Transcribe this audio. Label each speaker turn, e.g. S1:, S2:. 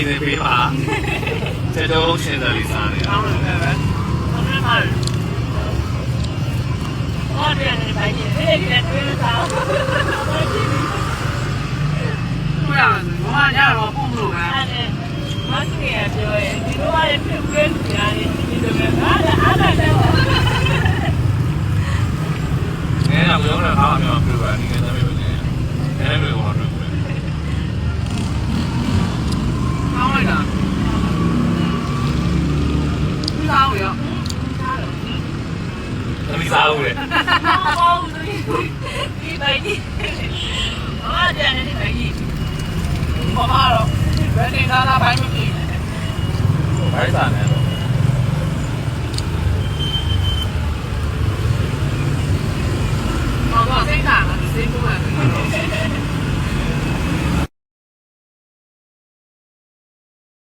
S1: င်နေပေးပါကျွန်တော်ရှင်းတယ်လေးစားနေတယ်ဟုတ်တယ်ပဲဟုတ်တယ်ပါဟုတ်တယ်နေပါကြီးဒီနေ့တွေ့ရတာဘယ်မှာညတော့ပုံလို့ပဲမတ်ကြီးရပြောရင်ဒီလိုရဖြစ်ပြင်းနေရတယ်ဒီလိုပဲအားလည်းတော့နဲတော့ပြောတာအားအများပြောတာဒီကနေ့ပဲနေတယ်ဘယ်လိုလဲကောင်းလိုက်တာဒီစားရသမီးစားဦးလေဘောဦးဒီပိုင်ကြီးအားကြတယ်ဒီပိုင်ကြီးဘာမှတော့ဘယ်နေသားဘိုင်းမကြည့်ဘိုင်းစားနေတော့ဘာကစိတ်ကစိတ်က